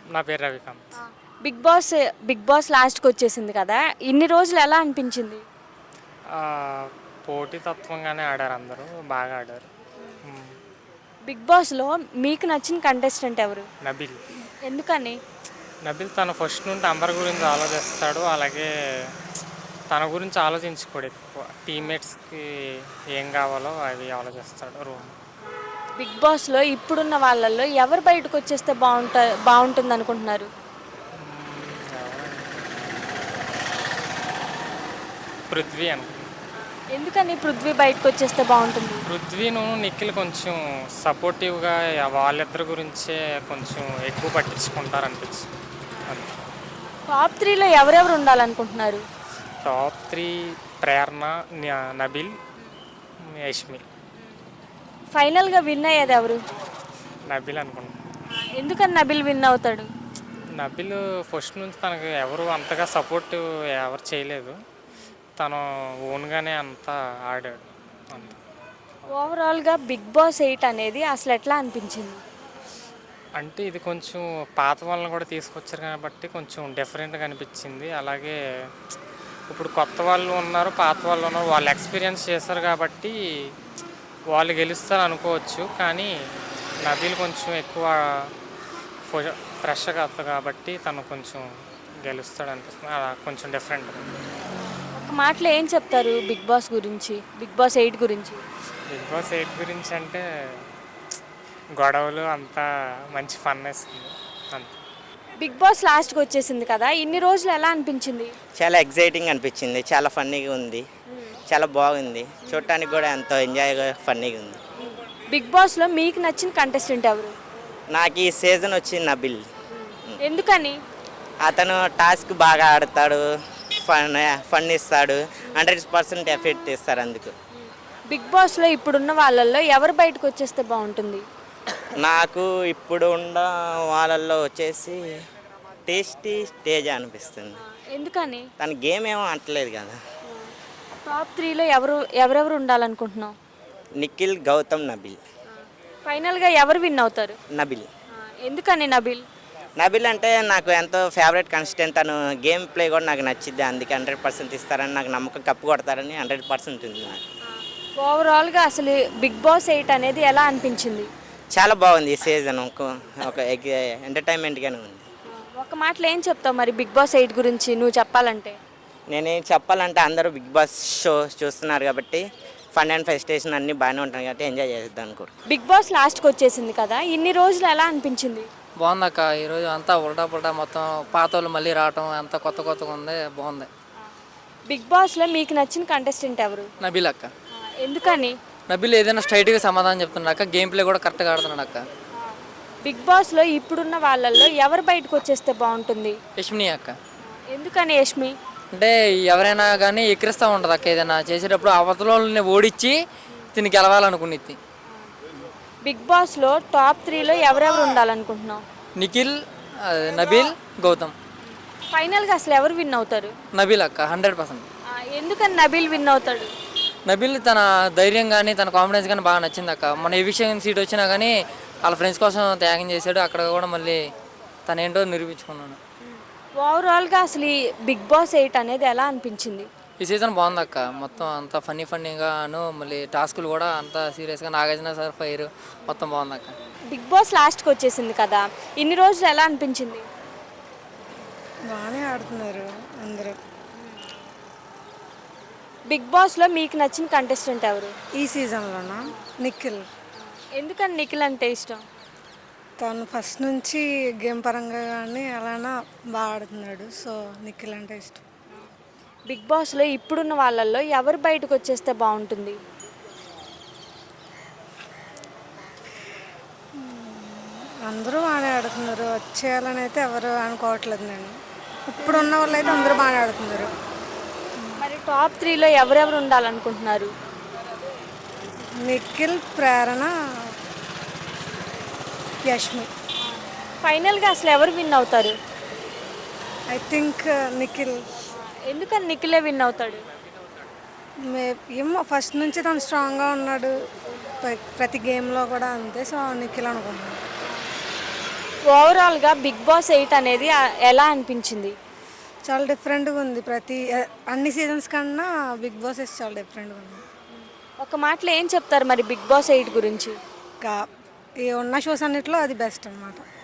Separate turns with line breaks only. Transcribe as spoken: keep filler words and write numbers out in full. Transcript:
నా పేరు Ravikanth.
Big Boss Big Boss లాస్ట్కి వచ్చేసింది కదా, ఇన్ని రోజులు ఎలా అనిపించింది?
ఆ, పోటీతత్వంగానే ఆడారు, అందరూ బాగా ఆడారు. మ్,
బిగ్ బాస్లో మీకు నచ్చిన కంటెస్టెంట్ ఎవరు?
నబిల్
ఎందుకని?
నబిల్ తను ఫస్ట్ నుండి అందరి గురించి ఆలోచిస్తాడు. అలాగే తన గురించి ఆలోచించుకోడు ఎక్కువ. టీమ్మేట్స్కి ఏం కావాలో అవి ఆలోచిస్తాడు రూమ్.
బిగ్ బాస్లో ఇప్పుడున్న వాళ్ళల్లో ఎవరు బయటకు వచ్చేస్తే బాగుంట బాగుంటుంది అనుకుంటున్నారు?
పృథ్వీ అనుకుంటా.
ఎందుకని పృథ్వీ బయటకు వచ్చేస్తే బాగుంటుంది?
పృథ్వీను నిఖిల్ కొంచెం సపోర్టివ్గా వాళ్ళిద్దరి గురించే కొంచెం ఎక్కువ పట్టించుకుంటారు అనిపించింది. అంతే.
టాప్ త్రీలో ఎవరెవరు ఉండాలనుకుంటున్నారు?
టాప్ త్రీ ప్రేరణ, న- నబిల్, యష్మి.
ఫైనల్గా విన్ అయ్యేది ఎవరు?
నబిల్ అనుకుంటా.
ఎందుకని నబిల్ విన్ అవుతాడు?
నబిల్ ఫస్ట్ నుంచి తనకు ఎవరు అంతగా సపోర్ట్ ఎవరు చేయలేదు. తను ఓన్గానే అంతా ఆడాడు అంత.
ఓవరాల్గా బిగ్ బాస్ ఎయిట్ అనేది అసలు ఎట్లా అనిపించింది?
అంటే ఇది కొంచెం పాత వాళ్ళని కూడా తీసుకొచ్చారు కాబట్టి కొంచెం డిఫరెంట్గా అనిపించింది. అలాగే ఇప్పుడు కొత్త వాళ్ళు ఉన్నారు, పాత వాళ్ళు ఉన్నారు, వాళ్ళు ఎక్స్పీరియన్స్ చేశారు కాబట్టి వాళ్ళు గెలుస్తారు అనుకోవచ్చు. కానీ నబీల్ కొంచెం ఎక్కువ ఫ్రెష్గా వస్తుంది కాబట్టి తను కొంచెం గెలుస్తాడు అనిపిస్తుంది. అలా కొంచెం డిఫరెంట్.
ఒక మాటలో ఏం చెప్తారు బిగ్ బాస్ గురించి, బిగ్ బాస్ ఎయిట్ గురించి?
బిగ్ బాస్ ఎయిట్ గురించి అంటే గొడవలు అంతా మంచి ఫన్ ఇస్తుంది అంతే.
బిగ్ బాస్ లాస్ట్కి వచ్చేసింది కదా, ఇన్ని రోజులు ఎలా అనిపించింది?
చాలా ఎగ్జైటింగ్ అనిపించింది, చాలా ఫన్నీగా ఉంది, చాలా బాగుంది. చూడటానికి కూడా ఎంతో ఎంజాయ్గా ఫన్నీగా ఉంది.
బిగ్ బాస్లో మీకు నచ్చిన కంటెస్టెంట్ ఎవరు?
నాకు ఈ సీజన్ వచ్చి నబిల్.
ఎందుకని?
అతను టాస్క్ బాగా ఆడతాడు, ఫన్ ఫన్ ఇస్తాడు, హండ్రెడ్ పర్సెంట్ ఎఫెక్ట్ ఇస్తారు అందుకు.
బిగ్ బాస్లో ఇప్పుడున్న వాళ్ళల్లో ఎవరు బయటకు వచ్చేస్తే బాగుంటుంది?
నాకు ఇప్పుడు ఉన్న వాళ్ళల్లో వచ్చేసి టేస్టీ స్టేజ్ అనిపిస్తుంది.
ఎందుకని?
తన గేమ్ ఏమో అంటలేదు కదా.
టాప్ త్రీలో ఎవరు ఎవరెవరు ఉండాలనుకుంటున్నావు?
నిఖిల్, గౌతమ్, నబిల్.
ఫైనల్గా ఎవరు విన్ అవుతారు?
నబిల్.
ఎందుకని నబిల్?
నబిల్ అంటే నాకు ఎంతో ఫేవరెట్ కన్సిస్టెంట్. తను గేమ్ ప్లే కూడా నాకు నచ్చింది, అందుకే హండ్రెడ్ పర్సెంట్ ఇస్తారని నాకు నమ్మకం. కప్పు కొడతారని హండ్రెడ్ పర్సెంట్ ఉంది నాకు.
ఓవరాల్గా అసలు బిగ్ బాస్ ఎయిట్ అనేది ఎలా అనిపించింది?
చాలా బాగుంది ఈ సీజన్. ఒక ఒక ఎంటర్టైన్మెంట్గానే ఉంది.
ఒక మాటలో ఏం చెప్తావు మరి బిగ్ బాస్ ఎయిట్ గురించి నువ్వు చెప్పాలంటే?
నేనేం చెప్పాలంటే అందరూ బిగ్ బాస్ షో చూస్తున్నారు కాబట్టి ఫన్ అండ్ ఫెస్టేషన్ అన్నీ బాగానే ఉంటాయి కాబట్టి ఎంజాయ్ చేద్దాం అనుకో.
బిగ్ బాస్ లాస్ట్కి వచ్చేసింది కదా, ఇన్ని రోజులు ఎలా అనిపించింది?
బాగుందక్క. ఈరోజు అంతా ఉల్టా పుల్టా మొత్తం పాత వాళ్ళు మళ్ళీ రావటం అంతా కొత్త కొత్తగా ఉంది, బాగుంది.
బిగ్ బాస్లో మీకు నచ్చిన కంటెస్టెంట్ ఎవరు?
నబిల్ అక్క.
ఎందుకని?
నబిల్ ఏదైనా స్ట్రైట్గా సమాధానం చెప్తున్నాడు అక్క, గేమ్ ప్లే కూడా కరెక్ట్గా ఆడుతున్నాడు అక్క.
బిగ్ బాస్లో ఇప్పుడున్న వాళ్ళల్లో ఎవరు బయటకు వచ్చేస్తే బాగుంటుంది?
యష్మిని అక్క.
ఎందుకని యష్మి?
అంటే ఎవరైనా కానీ ఎక్కిరిస్తూ ఉంటుంది అక్క, ఏదైనా చేసేటప్పుడు అవతలని ఓడించి తిని గెలవాలనుకునేది.
బిగ్ బాస్లో టాప్ త్రీలో ఎవరెవరు ఉండాలనుకుంటున్నావు?
నిఖిల్, ఆ, నబిల్, గౌతమ్.
ఫైనల్గా అసలు ఎవరు విన్ అవుతారు?
నబిల్ అక్క, హండ్రెడ్ పర్సెంట్.
ఆ, ఎందుకని నబిల్ విన్ అవుతాడు?
నబిల్ తన ధైర్యం కానీ తన కాన్ఫిడెన్స్ కానీ బాగా నచ్చింది అక్క. మన ఏ విషయం సీట్ వచ్చినా కానీ వాళ్ళ ఫ్రెండ్స్ కోసం త్యాగం చేశాడు. అక్కడ కూడా మళ్ళీ తన ఏంటో నిరూపించుకున్నాను.
ఓవరాల్గా అసలు ఈ బిగ్ బాస్ ఎయిట్ అనేది ఎలా అనిపించింది?
ఈ సీజన్ బాగుంది అక్క. మొత్తం అంతా ఫన్నీ ఫన్నీగాను, మళ్ళీ టాస్కులు కూడా అంతా సీరియస్గా, నాగార్జున సార్ ఫైర్ మొత్తం బాగుంది అక్క.
బిగ్ బాస్ లాస్ట్కి వచ్చేసింది కదా, ఇన్ని రోజులు ఎలా అనిపించింది?
బాగానే ఆడుతున్నారు అందరూ.
బిగ్ బాస్లో మీకు నచ్చిన కంటెస్టెంట్ ఎవరు?
ఈ సీజన్లోనా నిఖిల్.
ఎందుకని నిఖిల్ అంటే ఇష్టం?
తను ఫస్ట్ నుంచి గేమ్ పరంగా కానీ అలానా బాగా ఆడుతున్నాడు, సో నిఖిల్ అంటే ఇష్టం.
బిగ్ బాస్లో ఇప్పుడున్న వాళ్ళల్లో ఎవరు బయటకు వచ్చేస్తే బాగుంటుంది?
అందరూ బాగానే ఆడుతున్నారు, వచ్చేయాలని అయితే ఎవరు అనుకోవట్లేదు. నేను ఇప్పుడు ఉన్న వాళ్ళు అయితే అందరూ బాగానే ఆడుతున్నారు.
మరి టాప్ త్రీలో ఎవరెవరు ఉండాలనుకుంటున్నారు?
నిఖిల్, ప్రేరణ, యష్మి.
ఫైనల్గా అసలు ఎవరు విన్ అవుతారు?
I think Nikhil.
ఎందుకని నిఖిలే విన్ అవుతాడు?
మే ఏమో ఫస్ట్ నుంచి తను స్ట్రాంగ్గా ఉన్నాడు, ప్రతి గేమ్లో కూడా అంతే, సో నిఖిల్ అనుకుంటున్నాను.
ఓవరాల్గా బిగ్ బాస్ ఎయిట్ అనేది ఆ, ఎలా అనిపించింది?
చాలా డిఫరెంట్గా ఉంది. ప్రతి అన్ని సీజన్స్ కన్నా బిగ్ బాస్ చాలా డిఫరెంట్గా ఉంది.
ఒక మాటలో ఏం చెప్తారు మరి బిగ్ బాస్ ఎయిట్ గురించి?
ఇంకా ఈ ఉన్న షోస్ అన్నిట్లో అది బెస్ట్ అనమాట.